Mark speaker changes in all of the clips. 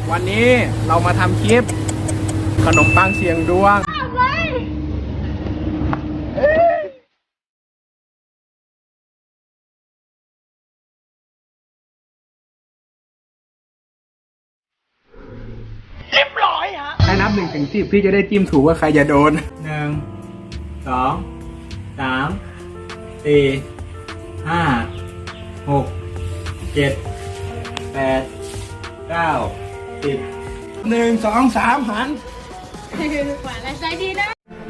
Speaker 1: วันนี้เรามาทำคลิปขนมปังเสียงดวงเรียบร้อยฮะให้นับ1 ถึง 10พี่จะได้จิ้มถูกว่าใครจะโดน
Speaker 2: 1 2 3 4 5 6 7 8 9 10
Speaker 1: 1 2 3หัน
Speaker 3: หวานและใจดีนะ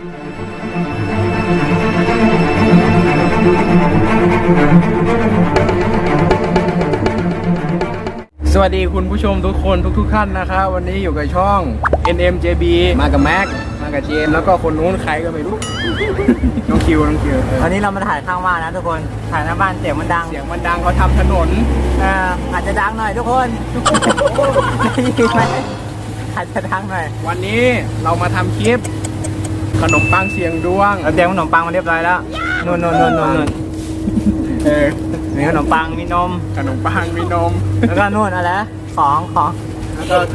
Speaker 1: สวัสดีคุณผู้ชมทุกคนทุกท่านนะครับวันนี้อยู่กับช่อง NMJB มากับแม็กมากับเจมแล้วก็คนนู้นใครก็ไม่รู้ น้องคิว
Speaker 2: วันนี้เรามาถ่ายข้างบ้านนะทุกคนถ่ายหน้าบ้านเสียงมันดัง
Speaker 1: เขาทำถนน
Speaker 2: อาจจะดังหน่อยทุกคนได้ยินไหมอาจจะดังหน่อย
Speaker 1: วันนี้เรามาทำคลิปขนมปังเสียงดวง
Speaker 2: เราเตรียมขนมปังมาเรียบร้อยแล้วนู่นมีขนมปังมีนมแล้วก็นู่นอะไรของแล้วก็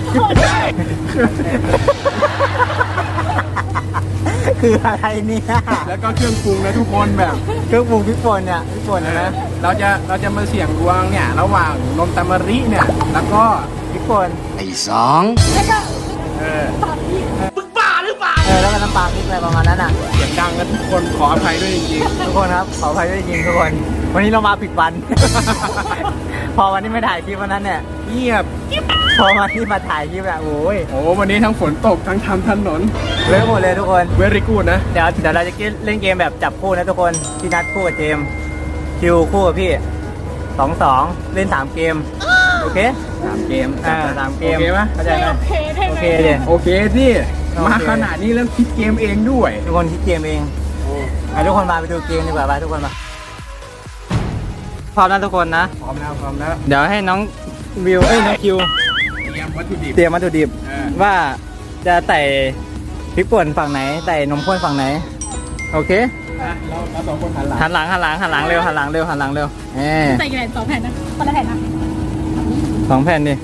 Speaker 2: คืออะไรเนี่ย
Speaker 1: แล้วก็เครื่องปรุงนะทุกคนแบบ
Speaker 2: เครื่องปรุงพริกป่นเนี่ยพริกป่นนะ
Speaker 1: เราจะมาเสี่ยงดวงเนี่ยระหว่างนมตามะริเนี่ยแล้วก็
Speaker 2: พริกป่น
Speaker 1: ไอ้2
Speaker 3: แล้วก็
Speaker 1: มึงบ้าหรือเปล่า
Speaker 2: แล้วก็น้ำปลาพริกอะไรประมาณนั้นอ่ะ
Speaker 1: เสียงดังกันทุกคนขออภัยด้วยจริง
Speaker 2: ๆทุกคนครับขออภัยด้วยจริงทุกคนวันนี้เรามาผิดวัน พอวันนี้ไม่ถ่ายคลิปวันนั้นเนี่ย
Speaker 1: เงียบ
Speaker 2: พอวันที่มาถ่ายคลิปอะโอ้ย
Speaker 1: วันนี้ทั้งฝนตกทั้งทำถนน
Speaker 2: เละหมดเลยทุกคน
Speaker 1: เวรี่กูดนะ
Speaker 2: เดี๋ยวเราจะเล่นเกมแบบจับคู่นะทุกคนพี่นัดคู่กับเจมคิวคู่กับพี่2 เล่น3 เกมโอเค
Speaker 1: 3 เกม
Speaker 2: 3 เกม
Speaker 1: โอเคปะ
Speaker 2: เข้าใจไหม
Speaker 3: โอเค
Speaker 1: โอเคสิมาขนาดนี้แล้วคิดเกมเองด้วย
Speaker 2: ทุกคนคิดเกมเองทุกคนมาไปดูเกมดีกว่าไปทุกคนมาพร้อมนะทุกคนนะ
Speaker 1: พร้อมแล้ว
Speaker 2: เดี๋ยวให้น้องวิวน้องคิวเตรียมวัตถุดิบว่าจะใส่พริกป่นฝั่งไหนใส่นมข้นฝั่งไหนโอเค
Speaker 1: เรา2 คนหันห
Speaker 2: ลังเร็วหันหลังเร็ว
Speaker 3: ใส่กี่แผ่น2 แผ่นนะคนละแผ่นนะ
Speaker 2: 2 แผ่นดิ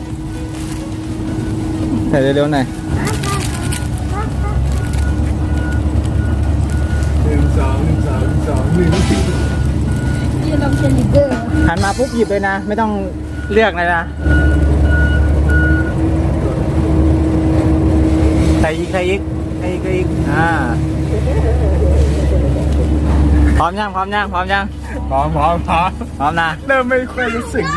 Speaker 2: ใส่เร็วๆหน่อย
Speaker 3: ยืนลงเชลิเดอร์
Speaker 2: หันมาปุ๊บหยิบเลยนะไม่ต้องเลือกเลยนะใส่อีกพร้อมยังพร้อมนะ
Speaker 1: เริ่มไม่ค่อยรู้สึก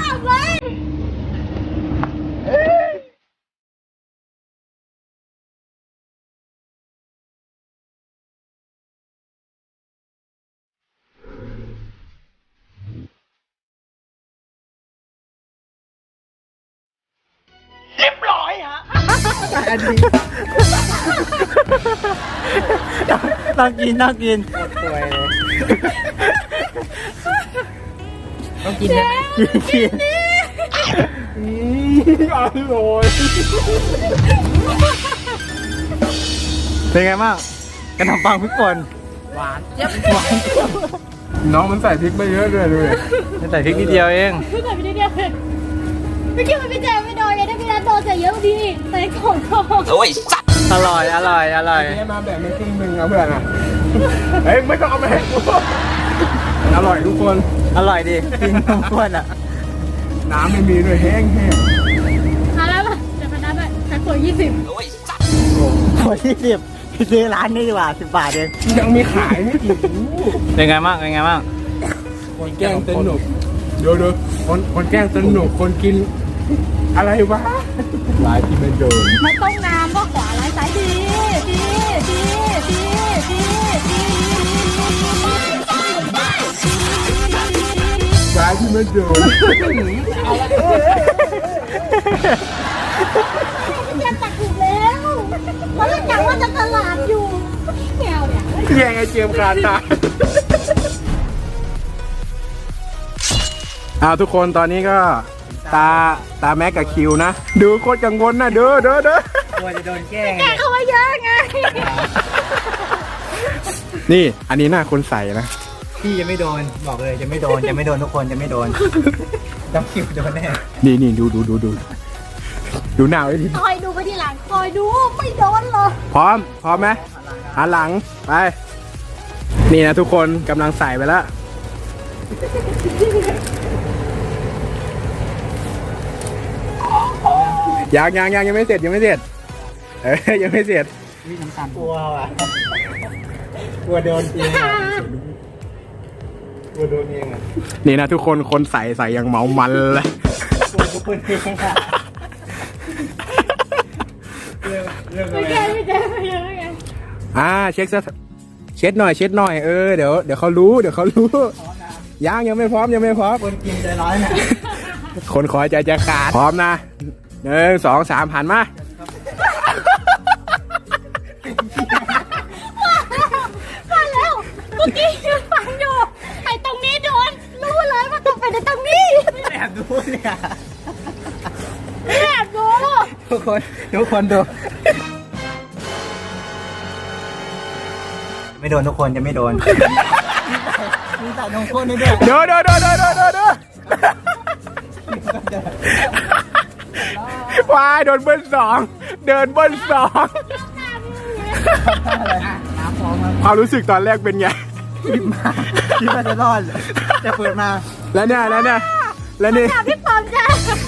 Speaker 1: เรียบร้อยฮะอันนี้
Speaker 2: ต้องกินป่วยเลยต้องกินนะกิน
Speaker 1: อร่อย
Speaker 2: เป็นไงบ้างขนมปังพริกป่น
Speaker 3: หวานเจี๊ยบ
Speaker 1: น้องมันใส่พริกไปเยอะเลยด้วย
Speaker 2: ใส่พริกนิดเดียวเอง
Speaker 3: ใส่พริกนิดเดียวไม่คิดว่าพี่แจมไม่โดนไงถ้าพี่นัทโดนใส่เยอะดีใส่ของ
Speaker 2: โอ้ยสัตว์อร่อย
Speaker 1: นี่มาแบบไม่ครึ่งนึงนะเพื่อนอ่ะเฮ้ยไม่ต้องเอามาให้กูอร่อยทุกคน
Speaker 2: อร่อยดิกินนมข้นอ่ะ
Speaker 1: น้ำไม่มีด้วยแห้ง
Speaker 3: เอาแล้วป่ะจะพนันด้วยแพ็คขวด20
Speaker 2: โอ้ยสัตว์ขวด20ซื้อร้านนี้ดีกว่า10 บาทเอง
Speaker 1: ยังมีขายไม่กี่
Speaker 2: เป็นไงบ้าง
Speaker 1: คนแกล้งสนุกดูคนแกล้งสนุกคนกินอะไรวะลายที่ไม่โดน
Speaker 3: ไม่ต้องน้ำก็ขวาลายซ้ายดี
Speaker 1: ลายที่ไม่โดน
Speaker 3: พี่แจมตักถูกแล้วเพราะเราจำว่าจะตลาดอยู่แมวเนี่ย
Speaker 1: แย่งไอ้เจมคาตาทุกคนตอนนี้ก็ตาแม็กกับคิวนะดูโคตรกังวลนะเด้อก
Speaker 2: ลัวจะโดนแกล้ง
Speaker 3: เขาว่าเยอะไง
Speaker 1: นี่อันนี้หน้าคนใส่นะ
Speaker 2: พี่จะไม่โดนบอกเลยจะไม่โดนทุกคนจะไม่โดนต้องคิวโดนแน่
Speaker 1: นี่ดูหน้าไว้ดิ
Speaker 3: คอยคอยดูไม่โดนหรอก
Speaker 1: พร้อมไหมหันหลังไปนี่นะทุกคนกำลังใส่ไปแล้วยังไม่เสร็จยังไม่เสร็จยังไม่เสร็จ
Speaker 2: วิ่งน้ำตาลกลัวว่ะกลัวโดนเองกลัวโดนเองอ่ะ
Speaker 1: นี่นะทุกคนใส่อย่างเมามันเลย
Speaker 2: กลัวทุกคนเองอ่ะเรื่องอะไร
Speaker 3: ไม่แก้ไม่แก้ไม่แก้
Speaker 1: เช็ดหน่อยเดี๋ยวเขารู้ยังไม่พร้อม
Speaker 2: คนกินใจร้ายเนี่ย
Speaker 1: คนขอใจจะขาดพร้อมนะ1 2 3หันมา
Speaker 3: มาแล้วเมื่อกี้ยืนฟังอยู่ไอ้ตรงนี้โดนรู้เลยว่าต้องเป็นตรงนี้
Speaker 2: แอบดูเนี่ย
Speaker 3: แอบดู
Speaker 2: ทุกคนดูไม่โดนทุกคนจะไม่โดนมีใส่นมข้นด้วย
Speaker 1: เดี๋ยววายโดนเบิ้ล2เดินเบิ้ล2ความรู้สึกตอนแรกเป็นไง
Speaker 2: คิดว่าจะรอดจะเปิดมา
Speaker 1: แล้วนี่
Speaker 3: ถามพี่ปอมจ้ะ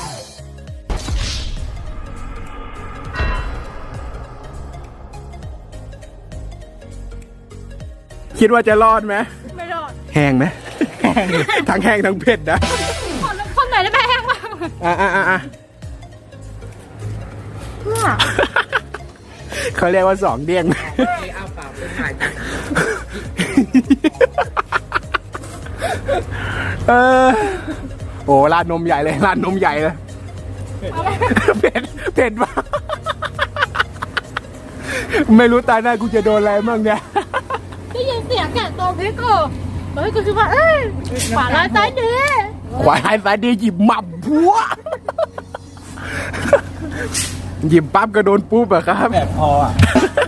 Speaker 1: คิดว่าจะรอดไหม
Speaker 3: ไม่รอด
Speaker 1: แห้งไหมทั้งแห้งทั้งเผ็ดนะ
Speaker 3: คนไหนได้แม่แห้งบ้าง เพื่อ
Speaker 1: เขาเรียกว่า2เด้งโอ้ราดนมใหญ่เลยเผ็ดมากไม่รู้ตาหน้ากูจะโดนอะไรบ้างเนี่ย
Speaker 3: ได้ยินเสียงแกะตัวพริกกูเฮ้ยกูคิดว่าขวาร้ายซ้ายดี
Speaker 1: ขวาสายดีหยิบหมับพัวหยิบปั๊บก็โดนปุ๊บอะครับ
Speaker 2: แบบพออ่ะ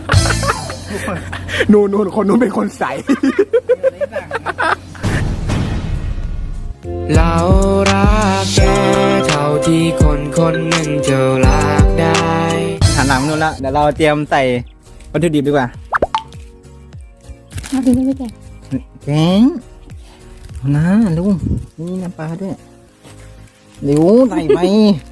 Speaker 1: นู่นคนนู้นเป็นคนใส่
Speaker 4: เรารักแกเท่าที่คนหนึ่งจะรักได้
Speaker 2: หันหลังมานู่นละเดี๋ยวเราเตรียมใส่วัตถุดิบดีกว่า
Speaker 3: มาถึงไม่แก่
Speaker 2: แกงเอานะลุงนี่น้ำปลาด้วยเดี๋ยวใส่ไป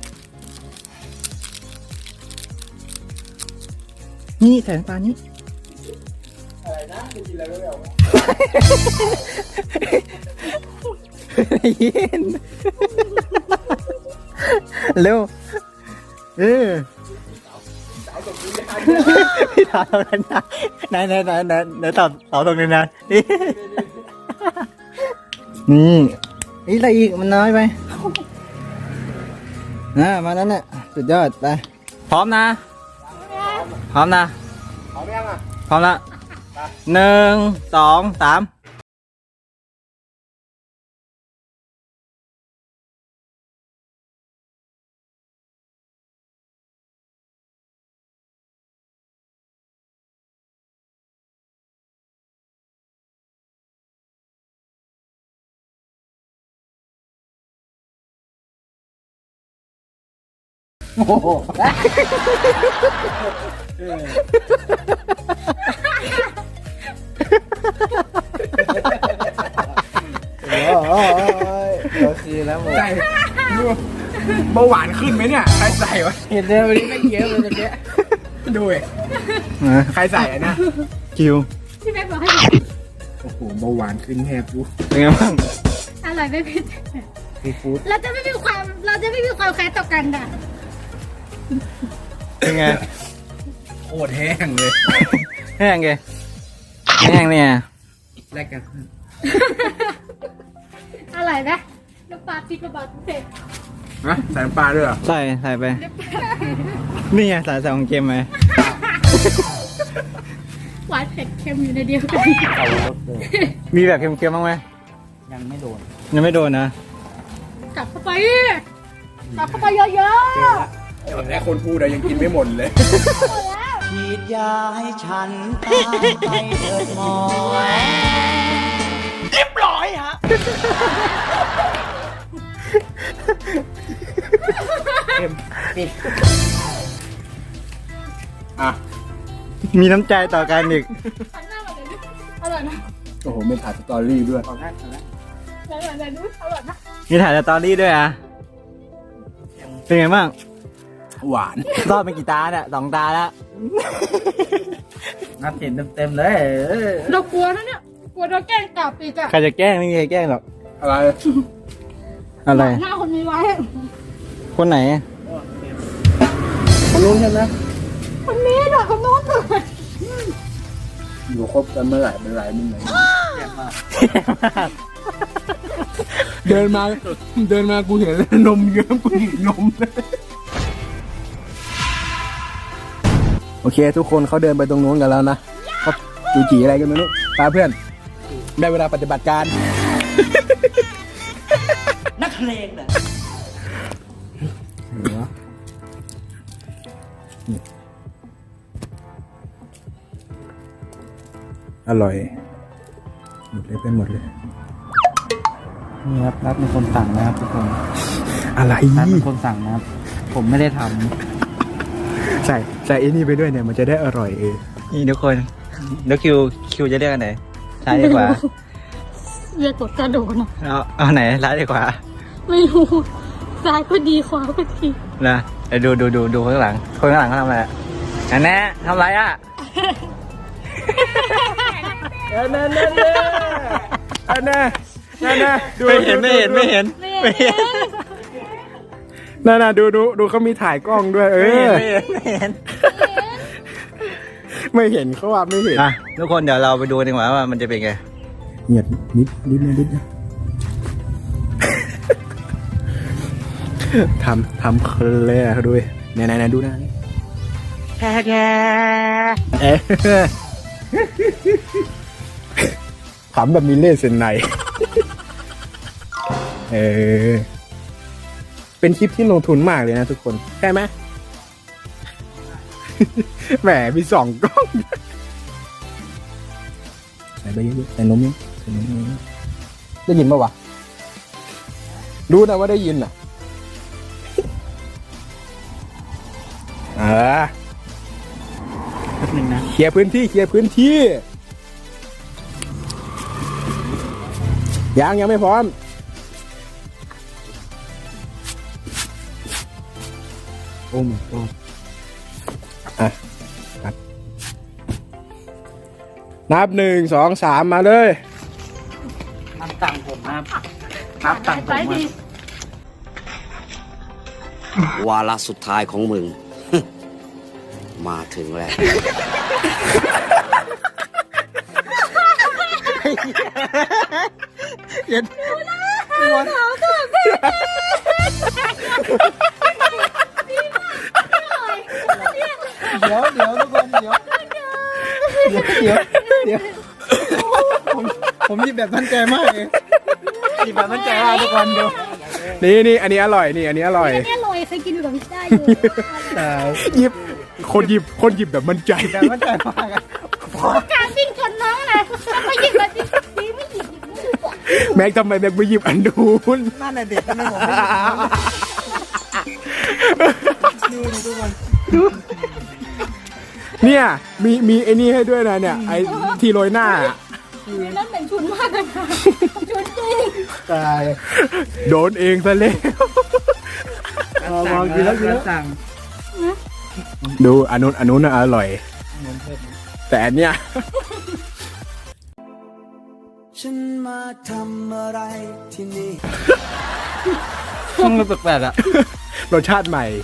Speaker 2: นี่ใส่น้ำปลานี้อะไรนะจะกินอะไรไม่ออกยินเร็วพี่ถามตรงนั้นนะไหนตอบตรงนี้นะนี่อะไรอีกมันน้อยไปมานั้นน่ะสุดยอดไปพร้อมนะพร้อมละ1 2 3โอ้โหโอเคแล้วหมด
Speaker 1: ใส่เบาหวานขึ้นไหมเนี่ยใครใส่วะ
Speaker 2: เห็นเลยวันนี้ไม่เยอะเลยตะเกีย
Speaker 1: ดูเใครใส่อะนะ
Speaker 2: คิว
Speaker 3: พี่แม่บอกให้
Speaker 1: โอ้โหเบาหวานขึ้นแทบดู
Speaker 2: เป็นไงบ้าง
Speaker 3: อร่อยไม่ผิด
Speaker 2: ซีฟู้ด
Speaker 3: เราจะไม่มีความแค้นต่อกันอ่ะ
Speaker 2: เป็นไง
Speaker 1: โคตรแห้งเลย
Speaker 2: แห้งไงแห้งเนี่ย
Speaker 1: แลกกัน
Speaker 3: อร่อยไหมน้ำปลาพริกกระบอกเผ็ด
Speaker 1: นะใส่น้ำปลาด้วยเหรอ
Speaker 2: ใส่ไปนี่ไงใส่ของเค็มไหม
Speaker 3: หวานเผ็ดเค็มอยู่ในเดียวกัน
Speaker 2: มีแบบเค็มๆบ้างไหมยังไม่โดนนะ
Speaker 3: กลับเข้าไปเยอะๆ
Speaker 1: แค่คนพูดอะยังกินไม่หมดเลย
Speaker 2: ฉีดยาให้ฉันตามไปเถิดหมอเรียบร้อยฮะเค็มปิด
Speaker 1: อ่ะ
Speaker 2: มีน้ำใจต่อกันอีก
Speaker 3: หันหน้ามาเดี๋ยวดูอร่อยนะ
Speaker 1: โอ้โหไม่ถ่ายสตอรี่ด้วย
Speaker 3: อร่อยนะดูอร่อยนะ
Speaker 2: มีถ่ายสตอรี่ด้วยอ่ะ เป็นไงบ้าง
Speaker 1: หวาน
Speaker 2: รอดไปกี่ตาเนี่ย2 ตาแล้ว นับเห็นเต็มๆเลย
Speaker 3: เรากลัวนะเนี่ยกลัวเราแกล้งกลับอีกอะ
Speaker 2: ใครจะแกล้งไม่มีใครแกล้งหรอก
Speaker 1: อะไร
Speaker 2: อะไร
Speaker 3: หน้าคนนี้ไว้
Speaker 2: คนไหน
Speaker 1: คนนู้นใช่ไหม
Speaker 3: คนนี้หน่อยคนโน้นหน่อย
Speaker 1: อยู่คบกันเมื่อไหร่เป็นไรมึงไหนเดินมากูเห็นแล้วนมเยิ้มกูหยิบนมเลยโอเค ทุกคนเขาเดินไปตรงนู้นกันแล้วนะเขาจูจีอะไรกันไม่รู้ตาเพื่อน ได้เวลาปฏิบัติการ
Speaker 2: นักเพลงน่ะ
Speaker 1: อร่อย หมดเลยไปหมดเลย
Speaker 2: นี่ครับนัดเป็นคนสั่งนะครับทุกคน
Speaker 1: อะไร
Speaker 2: นัดเป็นคนสั่งนะครับ ผมไม่ได้ท
Speaker 1: ใส่ไอ้นี่ไปด้วยเนี่ยมันจะได้อร่อย
Speaker 2: ำนี่ทุกคนแล้วคิวจะเรียกอันไหนซ้ายดีกว่า
Speaker 3: เรียกกดกระโดดนะ
Speaker 2: เอาไหนซ้ายดีกว่า
Speaker 3: ไม่รู้ซ้ายก็ดีขวาก็ดี
Speaker 2: นะเดี๋ยวดูข้างหลังคนข้างหลังเขาทำอะไรอันแน่ทำอะไรอ่ะ
Speaker 1: นั่น
Speaker 2: ไม่เห็น
Speaker 1: นั่นดูเขามีถ่ายกล้องด้วย
Speaker 2: ไม่เห็น
Speaker 1: ไม่เห็นเขาว่าไม่เห็น
Speaker 2: อ่ะทุกคนเดี๋ยวเราไปดูดีกว่าว่ามันจะเป็นไง
Speaker 1: เงียบนิดนะทำเคลร์เขาด้วยไหนดูนะแค่ขำแบบมีเล่ห์เส้นในเป็นคลิปที่ลงทุนมากเลยนะทุกคนใช่ไหม แหมมี2 กล้องใส่ไปเยอะๆใส่นมเยอะได้ยินปะวะรู้นะว่าได้ยินอ่ะ
Speaker 2: แป๊บนึงนะ
Speaker 1: เคลียร์พื้นที่ยังไม่พร้อมโอ้my god อ่ะนับ 1 2 3 มาเลย
Speaker 2: นับตังค์ผมนะครับนับตังค์ผม
Speaker 3: ซ้ายดี
Speaker 5: วาระสุดท้ายของมึง มาถึงแล้ว
Speaker 2: เย็น เดี๋ยวทุกคนเดี๋ยวผมหยิบแบบมั่นใจมากเลยหยิบแบบมั่นใจมากทุกคนดู
Speaker 1: นี่อันนี้อร่อยนี่อันนี้อร่อย
Speaker 3: อันนี้อร่อยเคยกินอยู่กับพี่ได้อยู่
Speaker 1: หยิบคนหยิบแบบมั่นใจ
Speaker 2: แบบมั่นใจมากอะ
Speaker 3: การวิ่งชนน้องเลยแล้วก็หยิบแบบดีไม่หยิบไม่หยิบอ่ะ
Speaker 1: แม็กทำไมแม็กไม่หยิบอันนู้น
Speaker 2: นั่นน่ะเด็กทำไมผมไม่หยิบดูทุกคน
Speaker 1: เนี่ยมีไอ้นี่ให้ด้วยนะเนี่ยไอ้ที่โรยหน้า
Speaker 3: นั่นเป็นชุนมากเลยค่ะชุนจริง
Speaker 2: ตาย
Speaker 1: โดนเองซะแล้ว
Speaker 2: มองกินแล้วสั่ง
Speaker 1: ดูอันนู้นน่ะอร่อย แต่อันเนี้ย
Speaker 4: ฉันมาทำอะไรที่นี่
Speaker 2: มันแปลกๆอ่ะ
Speaker 1: รสชาติใหม่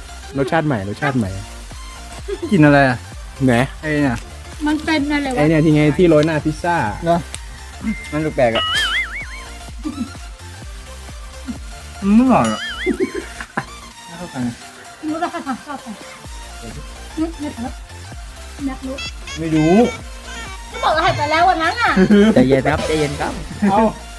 Speaker 2: กินอะไรอ่ะ
Speaker 1: ไหน
Speaker 2: ไอ้เนี่ย
Speaker 3: มันเป็นอะไรวะ
Speaker 1: ไอ้เนี่ยที่ไงที่โรยหน้าพิซซ่า
Speaker 2: เนาะมันแปลกๆอ่ะไม่หรอกไม่เข้ากัน
Speaker 3: รู้ราคาชอบไม่ครับนักรู้
Speaker 2: ไม่รู้
Speaker 3: ก็บอกรหัสไปแล้ววันนั้นอ่ะ
Speaker 2: ใจเย็นครับเอา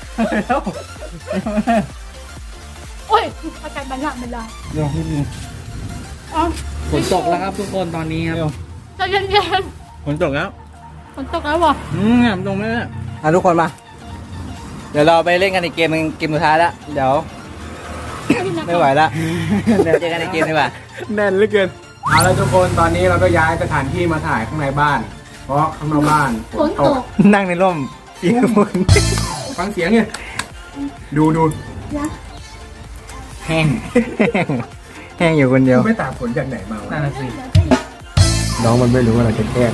Speaker 3: โอ้ยอาการบันละเวลา
Speaker 2: เดี๋ยวนิดนึง
Speaker 3: อ๋อ
Speaker 2: ฝนตกแล้วครับทุกคนตอนนี้ครับ
Speaker 3: ใจเย็น
Speaker 2: ฝนตกแล้ว
Speaker 3: ๆฝนตกแล้ววะ
Speaker 2: เนี่ยตรงนี้ทุกคนมา เดี๋ยวเราไปเล่นกันในเกมสุดท้ายแล้วเดี๋ยวไม่ไหวละเดี๋ยวเจอกันในเกมดีกว่า
Speaker 1: แน่นเหลือเกินเอาแล้วทุกคนตอนนี้เราก็ย้ายสถานที่มาถ่ายข้างในบ้าน เพราะข้างนอกบ้าน
Speaker 3: ฝนตก
Speaker 2: นั่งในร่มเปียกฝน
Speaker 1: ฟังเสียงเนี่ยดู
Speaker 3: นะ
Speaker 2: แห้งแห้งอยู่คนเดียว
Speaker 1: ไม่ตากฝนจากไหนมาวะ
Speaker 2: นั่นน่ะสิ
Speaker 1: น้องมันไม่รู้ว่าเราจะแกล้ง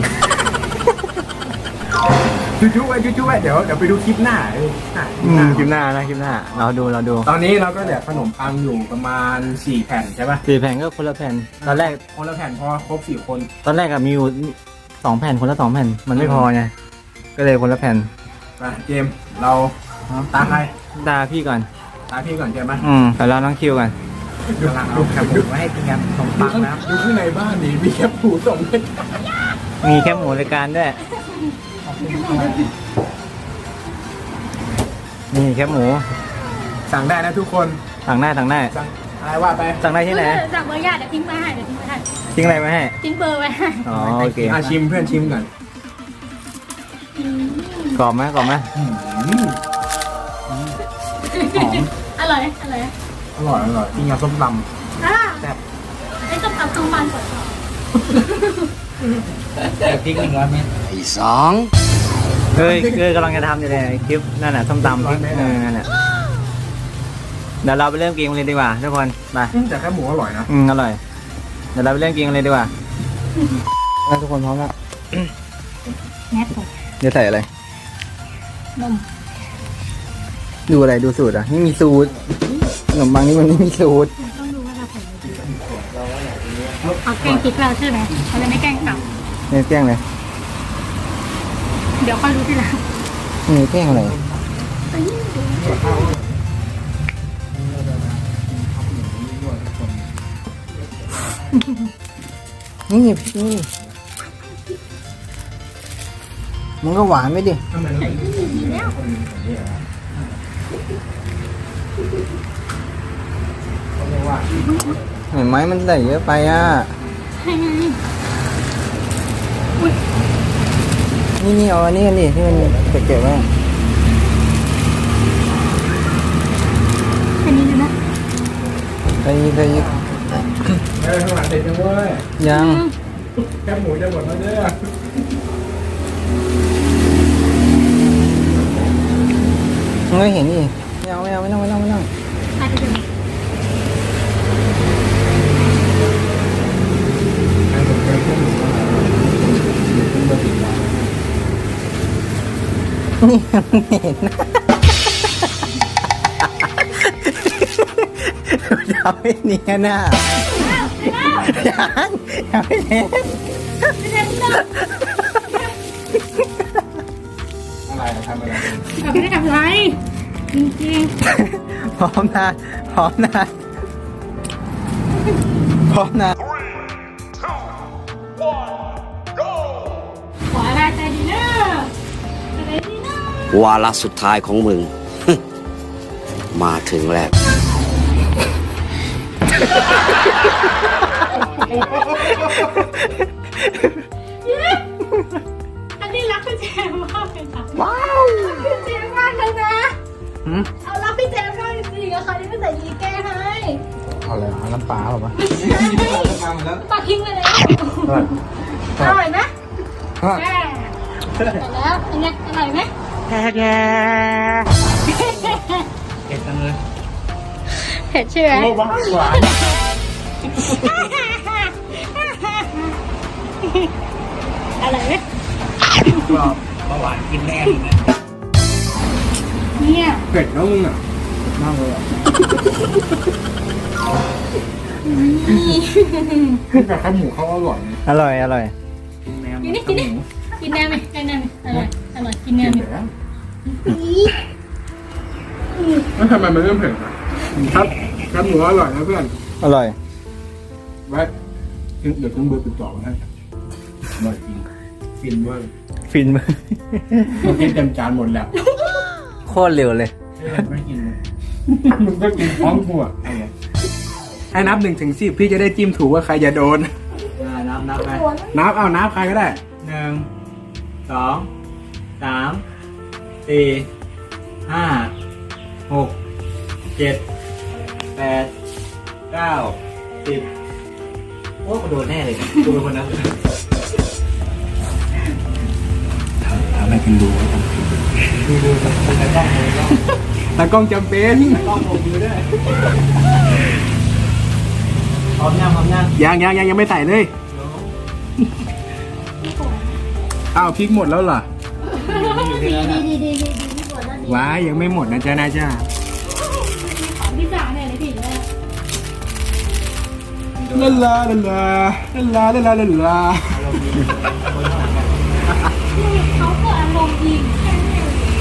Speaker 1: จุ๊ๆไว้เดี๋ยวไปดูคลิปหน้า
Speaker 2: คลิปหน้าเราดู
Speaker 1: ตอนนี้เราก็เหลือขนมปังอยู่ประมาณ4แผ่นใช่ป่ะ
Speaker 2: 4 แผ่นก็คนละแผ่นตอนแรก
Speaker 1: คนละแผ่นพอครบ4คน
Speaker 2: ตอนแรกอะมีอยู่2 แผ่นคนละ2 แผ่นมันไม่พอไงก็เลยคนละแผ่น
Speaker 1: มาเจมส์เราตาใคร
Speaker 2: ตาพี่ก่อน
Speaker 1: ตาพี่ก่อนเจมส์ไหม
Speaker 2: แต่เราน้องคิวก่อน
Speaker 1: กำลังเอาแคบหมูมาให้กินกันขนมปังนะดูข้างในบ้านนี่มีแคบหมูส่งให้
Speaker 2: มีแค่หมูรายการด้วยนี่แค่หมู
Speaker 1: สั่งได้นะทุกคน
Speaker 2: สั่งได้
Speaker 1: สั่งอะไรว่าไป
Speaker 2: สั่งได้ที่ไหน
Speaker 3: จากเบอร์ญาติเดี๋ยวทิ้งไปให้
Speaker 2: ทิ้งอะไรมาให้
Speaker 3: ทิ้งเบอร์ไว้ให้
Speaker 2: อ๋อโอเค
Speaker 1: ชิมเพื่อนชิมก่อน
Speaker 2: กรอบไหม
Speaker 1: หอม
Speaker 3: อร่อย
Speaker 1: อร่อยกินกับส้มต
Speaker 3: แซ่บไอ้ต้มเอาข้างบ้านก่อน
Speaker 2: พริก100 เม็ด
Speaker 5: ไอ้สอง
Speaker 2: เฮ้ยกำลังจะทำอยู่เลยคลิปนั่นน่ะส้มตำพริกนั่นน่ะเดี๋ยวเราไปเริ่มกินกันเลยดีกว่าทุกคนไป
Speaker 1: ำแต่แคบหมูอร่อยนะ
Speaker 2: อร่อยเดี๋ยวเราไปเริ่มกินกันเลยดีกว่าทุกคนพร้อมแล้ว
Speaker 3: แม่ผม
Speaker 2: จะใส่อะไร
Speaker 3: นม
Speaker 2: ดูอะไรดูสูตรอ่ะนี่มีสูตรขนมปังนี่มันไม่มีสูตร
Speaker 3: ต้องดูว่าเราใส่เอาแกงพริกเราใช่ไหมเราเลยไม่แกงกลับ
Speaker 2: นี่แกล้งเลย
Speaker 3: เดี๋ยวค่อยรู้ทีหลัง
Speaker 2: นี่แกล้งอะไรนี่มันก็หวานไม่ดิเห็นไหมมันใส่เยอะไปอ่ะ
Speaker 3: ใช่ไง
Speaker 2: นี่เอาอันนี้กันดิที่มันเก็บไว้
Speaker 3: แค่นี้ดูนะ
Speaker 2: ใส่อีก
Speaker 1: ข้างหลังเสร็จยังเว้ย
Speaker 2: ยัง
Speaker 1: แคบหมูจะหมดแล้วเด้อ
Speaker 2: มันก็เห็นนี่ไม่ต้อง
Speaker 3: ใครจะเป็น
Speaker 2: นี่มันเห็นนะทำให้เนียนน่ะยังไม่เห็น
Speaker 1: อะไรทำอะไร
Speaker 3: เราไม่ได้ทำอะไรจริง
Speaker 2: พร้อมนะขอ
Speaker 3: อะไรใจดีเนอะอะไรดีเนอะ
Speaker 5: วาระสุดท้ายของมึง มาถึงแล้ว
Speaker 3: อันนี้รักพี่แจมมากเลยค่ะว้าวพี่แจมมากเลยนะเอารักพี่แจมมากจริงๆอะค่ะที่ไม่ใส่ยีแก้ให้
Speaker 1: เอาอะไรเอาน้ำปลาหรอปะ
Speaker 3: ปากทิ้งไปแล้วอร่อยไหมแม่เสร็จแล้วเป็นไงอร่อยไหม
Speaker 2: เผ็ดจังเลย
Speaker 3: เผ็ดใช่ไหม
Speaker 1: โอ้บ้าหวาน
Speaker 3: อร่อยไหม
Speaker 2: เบาหวานกินแน่
Speaker 3: เนี่ย
Speaker 1: เผ็ดแล้วมึงอ่ะมากเลยอ่ะแต่แคบหมูเขาอร่อยนะ
Speaker 2: อร่อย
Speaker 3: กินนี่กินแนวไหมกินแนวไหมอร่อยกินแนวไหม
Speaker 1: แล้วทำไมมันเริ่มเผ็ดอ่ะครับแคบหมูอร่อยนะเพื่อน
Speaker 2: อร่อย
Speaker 1: ไว้เดี๋ยวขึ้นเบอร์ติดต่อมาให้อร่อยจริงฟินเวอร์
Speaker 2: ฟินมาก
Speaker 1: เมื่อกี้เต็มจานหมดแล้ว
Speaker 2: โคตรเร็วเลย
Speaker 1: ไม่กินเลยมึงก็กินพร้อมกูอ่ะให้นับ1-10พี่จะได้จิ้มถูกว่าใครจะโดน
Speaker 2: นับไป
Speaker 1: นับใครก็ได้
Speaker 2: 1 2 3 4 5 6 7 8 9 10 โอ้โดนแน่เลยดูเป็นคนนั้น
Speaker 1: ทำให้เป็นดู
Speaker 2: ดูแต่กล้องเลยกล้อง
Speaker 1: ตากล้องจำเป็น
Speaker 2: กล้องผมดูด้วยพร้อมยัง
Speaker 1: ยังไม่ใส่เลยอ้าวพริกหมดแล้วเหรอ
Speaker 3: ดีพี่ฝนแล้วดี
Speaker 1: ว้ายยังไม่หมดนะจ๊ะนะจ๊ะ
Speaker 3: ของพี่จ๋าเนี่ยเลยพี่เลย
Speaker 1: ลาลาลาลาลาลาลาลาลา
Speaker 3: เขาเกิดอารมณ์ดีแค่นี้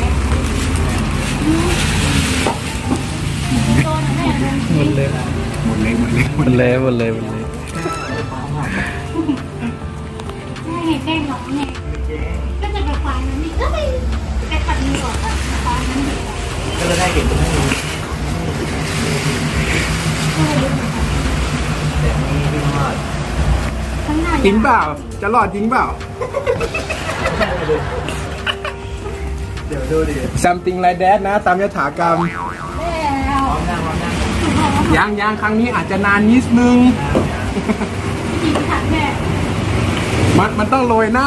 Speaker 3: โดนแม่อารมณ์ดี
Speaker 1: หมดเลย
Speaker 2: แม่
Speaker 3: แกล้งน้องไงก็จะไปควายนั้นนี่ก็ไปปัดมือก่อนควายนั้นดี
Speaker 2: ก็จะได้เห็นตรงนี้แต่นี่พี่มอด
Speaker 3: ข้างหน้า
Speaker 1: จริงเปล่าจะรอดจริงเปล่า
Speaker 2: เดี๋ยวดูดิ
Speaker 1: something like that นะตามยถากรรม
Speaker 3: แล้ว
Speaker 2: พร้อมนั่ง
Speaker 1: ยังครั้งนี้อาจจะนานนิดนึง
Speaker 3: จริงค่ะแม่
Speaker 1: มันต้องโรยหน้า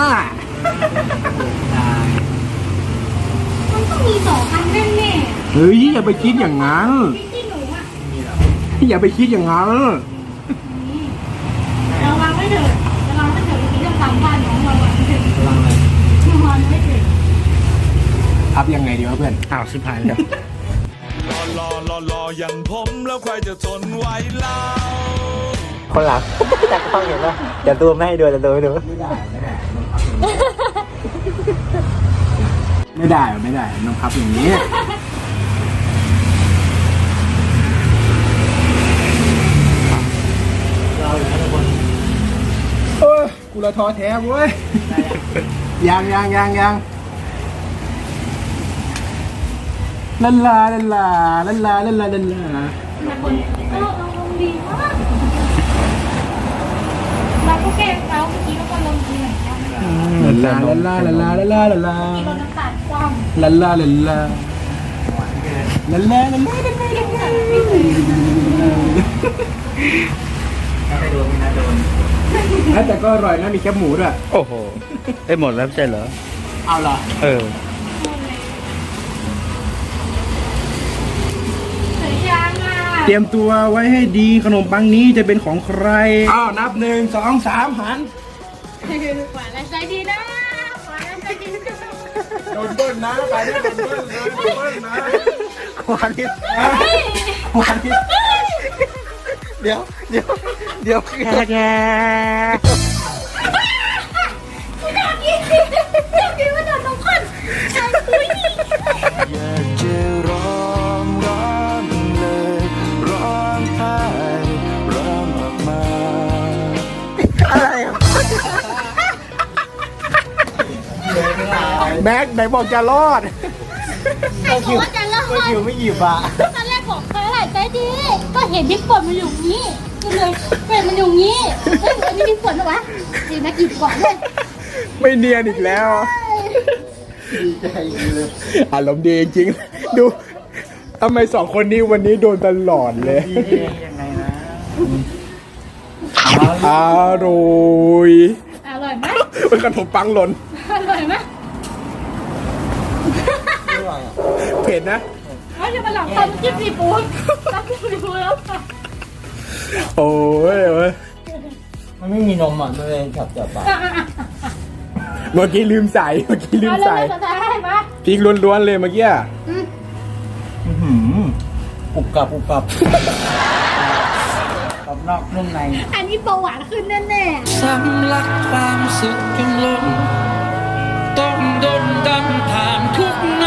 Speaker 3: มันต้องมี2 อันแน่
Speaker 1: เฮ้ยอย่าไปคิดอย่างนั้น
Speaker 3: ๆพี่หนูอ่ะ
Speaker 1: อย่าไปคิดอย่างนั้น
Speaker 3: ระวังไม่เถิดพี่จะทำบ้านของเราไม่เถิด
Speaker 2: กำลังอะไร
Speaker 3: ระวังไม่เถิด
Speaker 1: พับยังไงดีวะเพื่อน
Speaker 2: อ้าวชิบหายแล้ว
Speaker 6: รออย่างผมแล้วใครจะทนไหวเล่า
Speaker 2: คนหลังจากกล้องเห็นป่ะจะดูไม่ให้ดูจะดูไม่ดู
Speaker 1: ไม่ได้ต้องพับอย่างนี้กูละท้อแท้เว้ยยังลันลา
Speaker 3: แต่คนก็อารมณ์ดีมากเราก็แกล้งเขาเมื่อกี้ก็อารมณ์ดีเหมือนกัน
Speaker 1: ลันลา
Speaker 3: ที่เราน้ำตาลคว่ำ
Speaker 1: ลันลาแต่ก็อร่อยนะมีแคบหมูด้วย
Speaker 2: โอ้โหได้หมดแล้วใช่เหรอ
Speaker 1: เอาเหรอ
Speaker 2: เออ
Speaker 3: สวยจังอ่ะ
Speaker 1: เตรียมตัวไว้ให้ดีขนมปังนี้จะเป็นของใครอ้าวนับ1 2 3หัน
Speaker 3: หวานและใจดีนะหวานและใจดีนะ
Speaker 1: โดนเบิ้ลนะไปโดนเบิ้ลนะ
Speaker 2: วันนี้ เดี๋ยว
Speaker 3: กูอยากกินว่าโดนน้องคนใช่ปุ้ย
Speaker 6: อยากจะร้องเลยร้องไห้ร้องออกมา
Speaker 1: แม็กไหนบอกจะรอด
Speaker 3: ใครบอกว่าจะเลิก
Speaker 2: คิวไม่หยิบอ่ะ
Speaker 3: ตอนแรกบอกใครหลายใจดี ก็เห็นพริกป่นมันอยู่นี้ก็เลยเป็นมันอยู่นี้เฮ้ยอันนี้พริกป่นเหรอวะดีนะกินก่อนเลย
Speaker 1: ไม่เนียนอีกแล้วอารมณ์ดีจริงๆดูทำไม2 คนนี้วันนี้โดนตลอดเลย
Speaker 2: ยังไงนะ
Speaker 1: อร่อย
Speaker 3: อร่อยไหม
Speaker 1: เป็นขนมปังหล่น
Speaker 3: อร่อยไหม
Speaker 1: เผ็ดนะ
Speaker 3: ว่าจะมาหลังตำจิ้มซีฟู้ดตำจิ้มซีฟู้ดแล้วค่ะ
Speaker 1: โอ้ย
Speaker 2: มันไม่มีนมอ่ะมันเลยจับปาก
Speaker 1: เมื่อกี้ลืมใส่
Speaker 3: เอาเลยสุดท้ายมา
Speaker 1: พริกล้วนๆเลยเมื่อกี้
Speaker 2: ปุบกับกรอบนอกนุ่มใน
Speaker 3: อันนี้เบาหวานขึ้นแน่
Speaker 4: สำลักความสุขจนล้นต้องดนดันผ่านทุกน้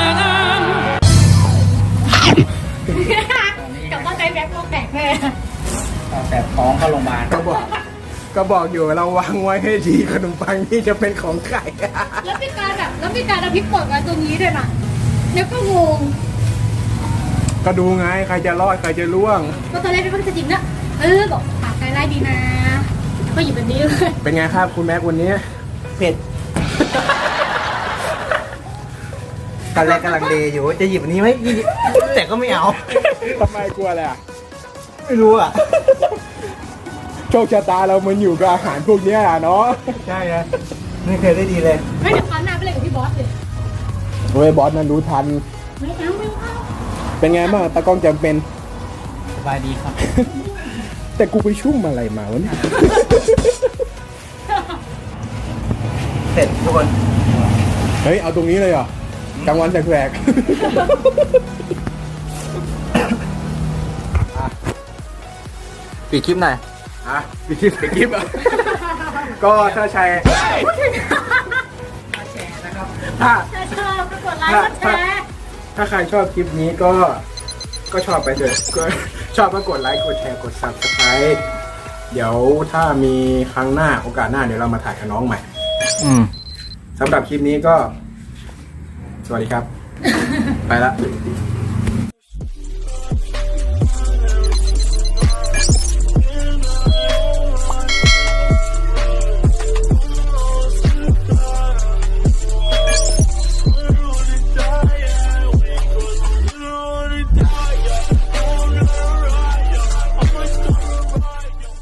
Speaker 3: ๆกับว่าใจแบ็คโลกแตกแน่
Speaker 2: แต่ท้องเข้าโรงพยาบาล
Speaker 1: ก็บอกอยู่เราวางไว้ให้ดีขนมปังนี่จะเป็นของใคร
Speaker 3: แล้วมีการเอาพริกป่นมาตรงนี้ด้วยนะแล้วก็งง
Speaker 1: ก็ดูไงใครจะรอดใครจะล่วง
Speaker 3: ก็ตอนแรกเป็นคนจะจริงนะบอกปากใจไล่ดีนะก็หยิบแบบนี้เลย
Speaker 1: เป็นไงครับคุณแม็กวันนี้
Speaker 2: เผ็ดตอนแรกกำลังเลอยู่ว่าจะหยิบอันนี้ไหมแต่ก็ไม่เอา
Speaker 1: ทำไมกลัวอะไรอ่ะ
Speaker 2: ไม่รู้อ่ะ
Speaker 1: โชคชะตาเรามันอยู่กับอาหารพวกเนี้ยอะเนาะ
Speaker 2: ใช่ครับไม่เคยได้ดีเลย
Speaker 3: ไม่เดี๋ยวคราวหน้าไปเลยกับพี่บอสเลย
Speaker 1: เฮ้ยบอสนั้นรู้ทัน
Speaker 3: ไม่เอาไม่เอา
Speaker 1: เป็นไงบ้างตากล้องจำเป็น
Speaker 2: สบายดีครับ
Speaker 1: แต่กูไปชุ่มอะไรมาวะเนี่ย
Speaker 2: เสร็จทุกคน
Speaker 1: เฮ้ย เอาตรงนี้เลยเหรอกลางวันแสกๆ
Speaker 2: ปิดคลิปหน่อย
Speaker 1: อ่ะปิดคลิปอ่ะ ก็ถ้าใช้ถ้า
Speaker 3: ถ้าชอบก็กดไลค์กดแชร์
Speaker 1: ถ้าใครชอบคลิปนี้ก็ชอบไปเถอะก็ชอบก็กดไลค์กดแชร์กด subscribe เดี๋ยวถ้ามีครั้งหน้าโอกาสหน้าเดี๋ยวเรามาถ่ายกับน้องใหม่
Speaker 2: อืม
Speaker 1: สำหรับคลิปนี้ก็ สวัสดีครับ ไปละ